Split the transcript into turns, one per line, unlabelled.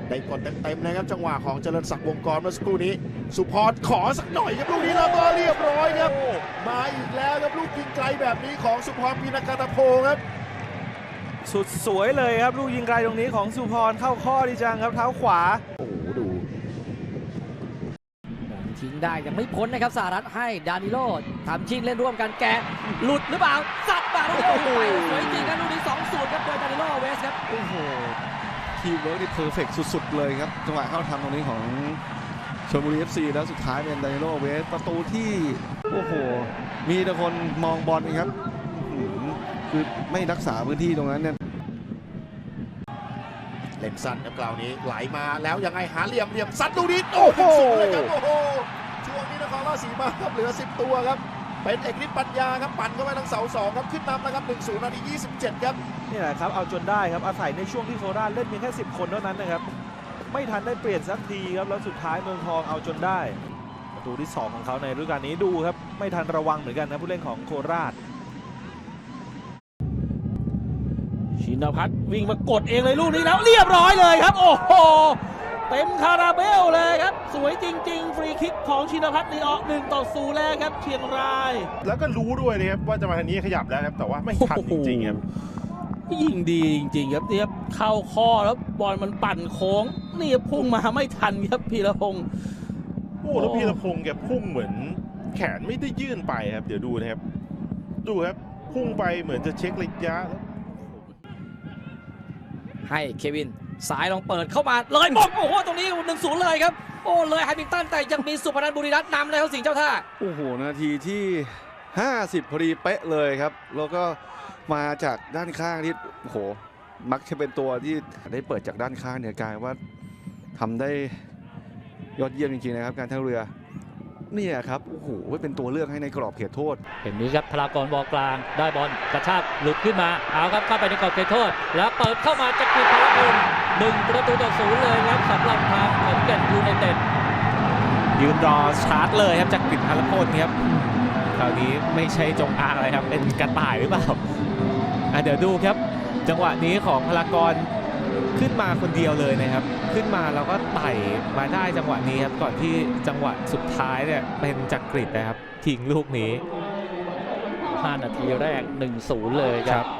ได้กดเต็มๆนะครับจังหวะของเจริญศักดิ์วงกรเมื่อสักครู่นี้สุพรขอสักหน่อยครับลูกนี้แล้วก็เรียบร้อยครับมาอีกแล้วครับลูกยิงไกลแบบนี้ของสุพรพินกาตโพครับ
สุดสวยเลยครับลูกยิงไกลตรงนี้ของสุพรเข้าข้อดีจังครับเท้าขวา
โอ้โหดู
ทิ้งได้ยังไม่พ้นนะครับสหรัฐให้ดานิโลทำชิงเล่นร่วมกันแกหลุดหรือเปล่าสับมาโอ้โหสวยจริงครับลูกนี้ 2-0 ครับโดยดานิโลเวสครับ
โอ้โหทีมเวิร์กนี่เพอร์เฟกต์สุดๆเลยครับจังหวะเข้าทำตรงนี้ของชลบุรี FC แล้วสุดท้ายเป็นดานิโลเวสประตูที่โอ้โหมีแต่คนมองบอลครับคือไม่รักษาพื้นที่ตรงนั้นเนี่ย
เล่นสั้นครับกล่าวนี้ไหลมาแล้วยังไงหาเหลี่ยมซัดลูกนี้โอ้โหเลยครับโอ้โหช่วงนี้นครราชสีมาครับเหลือ10ตัวครับเป็นเอกฤทธิ์ปัญญาครับปั่นเข้าไปทางเสา2ครับขึ้นนำนะครับ 1-0 นาที 27ครับ
นี่แหละครับเอาจนได้ครับอาศัยในช่วงที่โคราชเล่นเพียงแค่10 คนเท่านั้นนะครับไม่ทันได้เปลี่ยนสักทีครับแล้วสุดท้ายเมืองทองเอาจนได้ประตูที่2ของเขาในฤดูกาลนี้ดูครับไม่ทันระวังเหมือนกันนะผู้เล่นของโคราช
ชินพัฒน์วิ่งมากดเองเลยลูกนี้แล้วเรียบร้อยเลยครับโอ้โหเต็มคาราเบลเลยครับสวยจริงๆฟรีคิกของชินพัฒน์ลีออก1-0แล้วครับเชียงราย
แล้วก็รู้ด้วยนะครับว่าจะมาทางนี้ขยับแล้วครับแต่ว่าไม่ทันจริงๆครับ
ยิงดีจริงๆครับเนี่ยเข้าข้อแล้วบอลมันปั่นโค้งนี่พุ่งมาไม่ทันครับพีรพงศ์
โอ้แล้วพีรพงศ์แกพุ่งเหมือนแขนไม่ได้ยื่นไปครับเดี๋ยวดูนะครับดูครับพุ่งไปเหมือนจะเช็คระยะ
ให้เควินสายลองเปิดเข้ามาเลยบอลโอ้โหตรงนี้ 1-0 เลยครับโอ้เลยไฮมิลตันแต่ยังมีสุพนันท์บุรีรัตน์นำเลยครับสิงห์เจ้าท่า
โอ้โหนาทีที่50พอดีเป๊ะเลยครับแล้วก็มาจากด้านข้างที่โอ้โหมักจะเป็นตัวที่ได้เปิดจากด้านข้างเนี่ยกลายว่าทำได้ยอดเยี่ยมจริงๆนะครับการท่าเรือเนี่ยครับโอ้โหเป็นตัวเลือกให้ในกรอบเขตโทษ
เห็นนี้ครับพลากรบอลกลางได้บอลกระชากหลุดขึ้นมาเอาครับเข้าไปในกรอบเขตโทษแล้วเปิดเข้ามาจักริดพลพล1-0เลยครับสำหรับทางขอนแก่นยูไนเต็ด
ยืนรอชาร์จเลยครับจากกลิ่นพลพลครับคราวนี้ไม่ใช่จงอางอะไรครับเป็นกระต่ายหรือเปล่าเดี๋ยวดูครับจังหวะนี้ของพลากรขึ้นมาคนเดียวเลยนะครับขึ้นมาแล้วก็ไต่มาได้จังหวะนี้ครับก่อนที่จังหวะสุดท้ายเนี่ยเป็นจักริดนะครับทิ้งลูกนี้
5 นาทีแรก 1-0 เลยครับ